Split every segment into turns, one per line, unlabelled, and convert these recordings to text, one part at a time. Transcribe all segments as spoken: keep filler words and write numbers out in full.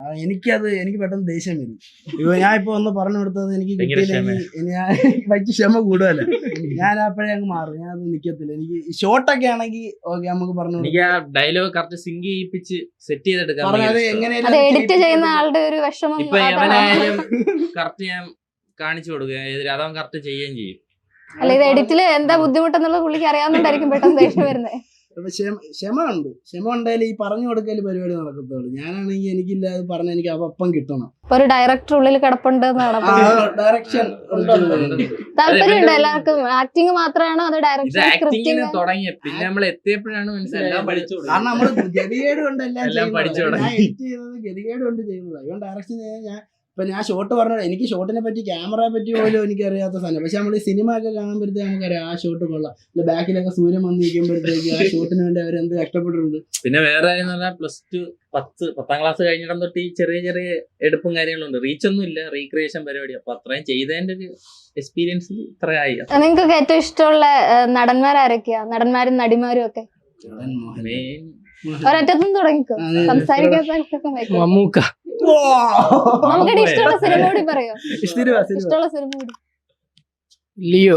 എനിക്കത് എനിക്ക് പെട്ടെന്ന് ദേഷ്യം വരും. ഇപ്പൊ ഞാൻ ഇപ്പൊ ഒന്ന് പറഞ്ഞു കൊടുത്തത് എനിക്ക് കിട്ടിയില്ലെങ്കിൽ ഞാൻ വൈകി ക്ഷമ കൂടുതലല്ല. ഞാൻ അപ്പോഴേ അങ്ങ് മാറും. ഞാൻ അത് നിക്കത്തില്ല. എനിക്ക് ഷോർട്ടൊക്കെ ആണെങ്കിൽ ഓക്കെ നമുക്ക് പറഞ്ഞു
ഡയലോഗ് കറക്റ്റ് സിങ്ക് ചെയ്യിപ്പിച്ച് സെറ്റ് ചെയ്തെടുക്കാം.
എഡിറ്റ് ചെയ്യുന്ന ആളുടെ ഒരു വിഷമം
ഇപ്പൊ എവനായാലും കറക്റ്റ് ഞാൻ കാണിച്ചു കൊടുക്കുക, അതവൻ കറക്റ്റ് ചെയ്യുകയും ചെയ്യും.
അല്ല ഇത് എഡിറ്റില് എന്താ ബുദ്ധിമുട്ടെന്നുള്ളത് പുള്ളിക്ക് അറിയാവുന്നതായിരിക്കും പെട്ടെന്ന് ദേഷ്യം വരുന്നത്.
ക്ഷമ ഉണ്ട്. ക്ഷമ ഉണ്ടായാലും ഈ പറഞ്ഞു കൊടുക്കൽ പരിപാടി നടക്കത്തുള്ളൂ. ഞാനാണെങ്കിൽ എനിക്കില്ല അത് പറഞ്ഞ എനിക്ക് അപ്പം കിട്ടണം.
ഒരു ഡയറക്ടർ ഉള്ളിൽ കിടപ്പുണ്ട്.
ഡയറക്ഷൻ
താല്പര്യമുണ്ട് എല്ലാവർക്കും. ആക്ടിങ് മാത്രമാണോ അത്
ഡയറക്ഷൻ തുടങ്ങിയ പിന്നെ നമ്മൾ എത്തിയപ്പോഴാണ് മനസ്സിലായത്.
കാരണം നമ്മള് ഗതികേട് കൊണ്ട് എല്ലാം പഠിച്ചു. ഞാൻ എഡിറ്റ് ചെയ്യുന്നത് ഗതികേട് കൊണ്ട് ചെയ്യുന്നത്. അതുകൊണ്ട് ഡയറക്ഷൻ ചെയ്യാൻ ഞാൻ ഇപ്പൊ ഞാൻ ഷോട്ട് പറഞ്ഞ എനിക്ക് ഷോട്ടിനെ പറ്റി ക്യാമറയെ പറ്റി പോലും എനിക്ക് അറിയാത്ത സാധനം. പക്ഷെ നമ്മൾ ഈ സിനിമ ഒക്കെ കാണുമ്പോഴത്തേക്ക് നമുക്കറിയാം ആ ഷോട്ട് കൊള്ളാം. അല്ല ബാക്കിലൊക്കെ സൂര്യൻ വന്ന് നിൽക്കുമ്പോഴത്തേക്ക് ആ ഷോട്ടിന് വേണ്ടി അവരെന്ത് കഷ്ടപ്പെട്ടിട്ടുണ്ട്.
പിന്നെ വേറെ പ്ലസ് ടു പത്ത് പത്താം ക്ലാസ് കഴിഞ്ഞിടം തൊട്ട് ഈ ചെറിയ ചെറിയ എടുപ്പും കാര്യങ്ങളുണ്ട്. റീച്ച് ഒന്നും ഇല്ല, റീക്രിയേഷൻ പരിപാടി. അപ്പൊ അത്രയും ചെയ്തതിന്റെ ഒരു എക്സ്പീരിയൻസിൽ ഇത്രയായി.
നിങ്ങൾക്ക് ഏറ്റവും ഇഷ്ടമുള്ള നടന്മാരൊക്കെയാ? നടന്മാരും നടിമാരും ഒക്കെ ഒരറ്റത്തും തുടങ്ങിക്കോ. സംസാരിക്കാൻ
മമ്മൂക്ക.
നമുക്കിടെ ഇഷ്ടമുള്ള സിനിമ കൂടി പറയോ? ഇഷ്ടമുള്ള സിനിമ കൂടി.
ലിയോ.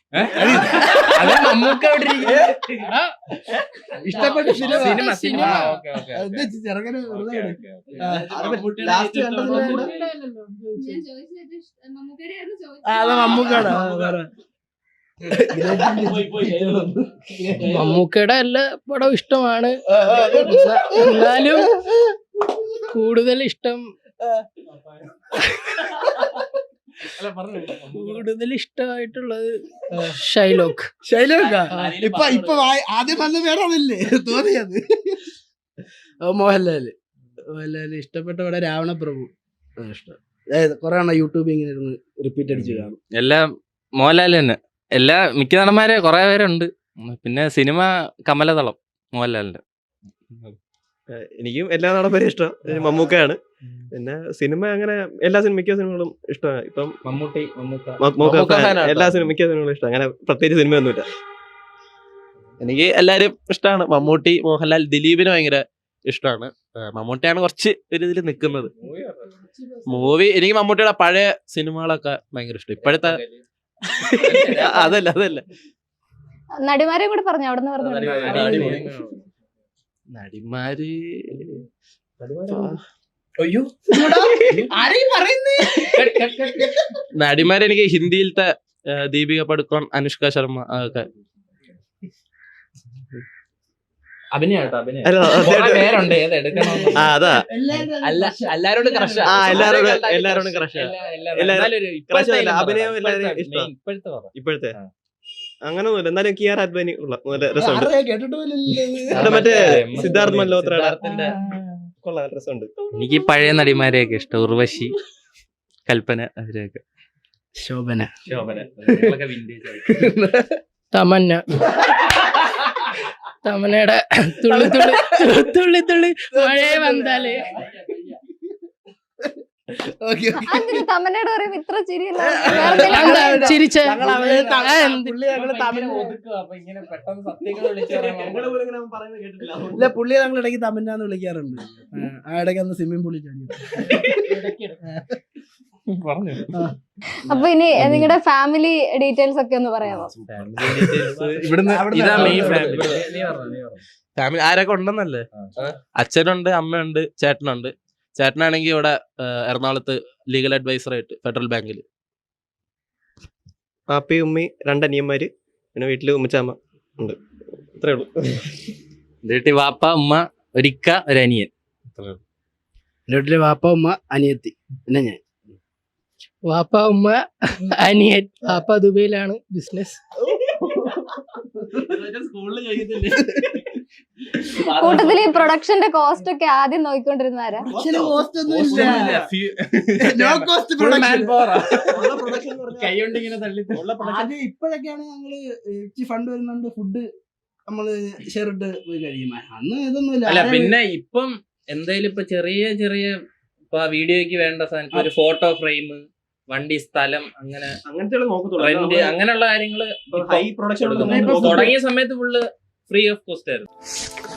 ഇഷ്ടപ്പെട്ട സിനിമ സിനിമ
മമ്മൂക്കയുടെ എല്ലാ പടവും ഇഷ്ടമാണ്. എന്നാലും കൂടുതൽ ഇഷ്ടം കൂടുതൽ ഇഷ്ടമായിട്ടുള്ളത് ഷൈലോക്ക്.
ഷൈലോക്കാ ഇപ്പൊ ഇപ്പൊ ആദ്യം വന്ന പേരാണല്ലേ തോന്നിയത്. മോഹൻലാല്. മോഹൻലാല് ഇഷ്ടപ്പെട്ട ഇവിടെ രാവണപ്രഭു ഇഷ്ടം. അതായത് കുറെ എണ്ണം യൂട്യൂബിൽ ഇങ്ങനെ ഇരുന്ന് റിപ്പീറ്റ് അടിച്ച് കാണും.
എല്ലാം മോഹൻലാല് തന്നെ. എല്ലാ മിക്ക നടന്മാരെ കുറെ പേരുണ്ട്. പിന്നെ സിനിമ കമലതളം മോഹൻലാലിന്റെ.
എനിക്കും എല്ലാ നടന്മാരും ഇഷ്ടം. മമ്മൂക്കയാണ്. പിന്നെ സിനിമ അങ്ങനെ എല്ലാ സിനിമ മിക്ക സിനിമകളും ഇഷ്ടമാണ്. ഇപ്പം
മമ്മൂട്ടി
എല്ലാ സിനിമ മിക്ക സിനിമകളും ഇഷ്ടം. അങ്ങനെ പ്രത്യേകിച്ച് സിനിമയൊന്നുമില്ല.
എനിക്ക് എല്ലാരും ഇഷ്ടമാണ്. മമ്മൂട്ടി, മോഹൻലാൽ, ദിലീപിന് ഭയങ്കര ഇഷ്ടമാണ്. മമ്മൂട്ടിയാണ് കുറച്ച് ഒരു ഇതിൽ നിൽക്കുന്നത്. മൂവി എനിക്ക് മമ്മൂട്ടിയുടെ പഴയ സിനിമകളൊക്കെ ഭയങ്കര ഇഷ്ടം. ഇപ്പോഴത്തെ അതല്ല അതല്ല
നടിമാരെ കൂടെ പറഞ്ഞു. അവിടെ നിന്ന് പറഞ്ഞു
നടിമാര് നടിമാര് എനിക്ക് ഹിന്ദിയിലത്തെ ദീപിക പടുക്കോൺ, അനുഷ്ക ശർമ്മ അതൊക്കെ
അഭിനയാട്ടോ. അഭിനയം
അതാ
എല്ലാരോടും ക്രഷ്.
എല്ലാരോടും ക്രഷ്. അഭിനയം എല്ലാവരും ഇഷ്ടം. ഇപ്പോഴത്തെ അങ്ങനൊന്നുമില്ല. എന്നാലും കിയാർ അദ്വാനി ഉള്ള നല്ല രസമുണ്ട്. മറ്റേ സിദ്ധാർത്ഥ് മൽഹോത്രയുടെ കൊള്ളാം, രസമുണ്ട്.
എനിക്ക് പഴയ നടിമാരെയൊക്കെ ഇഷ്ടം. ഉർവശി, കൽപ്പന, അവരെയൊക്കെ.
ശോഭന.
ശോഭന
തമന്ന. തമന്നയുടെ തുള്ളി തുള്ളി തുള്ളി തുള്ളി മഴയെ വന്നാലേ.
തമന്നയുടെ ഇത്ര
ചിരിച്ച
പുള്ളി ഞങ്ങൾ ഇടയ്ക്ക് തമന്നാന്ന് വിളിക്കാറുണ്ട്. ആ ഇടയ്ക്ക് അന്ന് സ്വിമ്മിംഗ് പൂളിൽ ചാടി.
അപ്പൊ ഇനി നിങ്ങളുടെ ഫാമിലി ഡീറ്റെയിൽസ് ഒക്കെ ഒന്ന് പറയാമോ?
ഫാമിലി ആരൊക്കെ ഉണ്ടെന്നല്ലേ? അച്ഛനുണ്ട്, അമ്മയുണ്ട്, ചേട്ടനുണ്ട്. ചേട്ടനാണെങ്കിൽ ഇവിടെ എറണാകുളത്ത് ലീഗൽ അഡ്വൈസർ ആയിട്ട് ഫെഡറൽ ബാങ്കിൽ.
പാപ്പി, ഉമ്മി, രണ്ടനിയന്മാര്, പിന്നെ വീട്ടില് ഉമ്മച്ചാമ്മ ഉണ്ട്. ഇത്രേ ഉള്ളൂ.
വീട്ടിൽ വാപ്പ, ഉമ്മ, ഒരിക്ക, ഒരനിയൻ.
വീട്ടില് വാപ്പ, ഉമ്മ, അനിയത്തി, പിന്നെ ഞാൻ.
വാപ്പ, ഉമ്മ, അനിയൻ. വാപ്പ ദുബൈയിലാണ് ബിസിനസ്.
കൂട്ടത്തിൽ ഈ പ്രൊഡക്ഷന്റെ കോസ്റ്റ് ഒക്കെ ആദ്യം നോക്കിക്കൊണ്ടിരുന്നാരാ?
ഇപ്പോഴൊക്കെയാണ് ഞങ്ങള് ഫണ്ട് വരുന്നുണ്ട്, ഫുഡ് നമ്മള് ഷെയറിട്ട് പോയി കഴിയും. അന്ന് ഇതൊന്നുമില്ല.
അല്ല പിന്നെ ഇപ്പം എന്തായാലും ഇപ്പൊ ചെറിയ ചെറിയ ഇപ്പൊ വീഡിയോയ്ക്ക് വേണ്ട സാധനം, ഒരു ഫോട്ടോ ഫ്രെയിം, വണ്ടി, സ്ഥലം, അങ്ങനെ റെന്റ്, അങ്ങനെയുള്ള കാര്യങ്ങള് തുടങ്ങിയ സമയത്ത് ഫുള്ള് ഫ്രീ ഓഫ് കോസ്റ്റ് ആയിരുന്നു.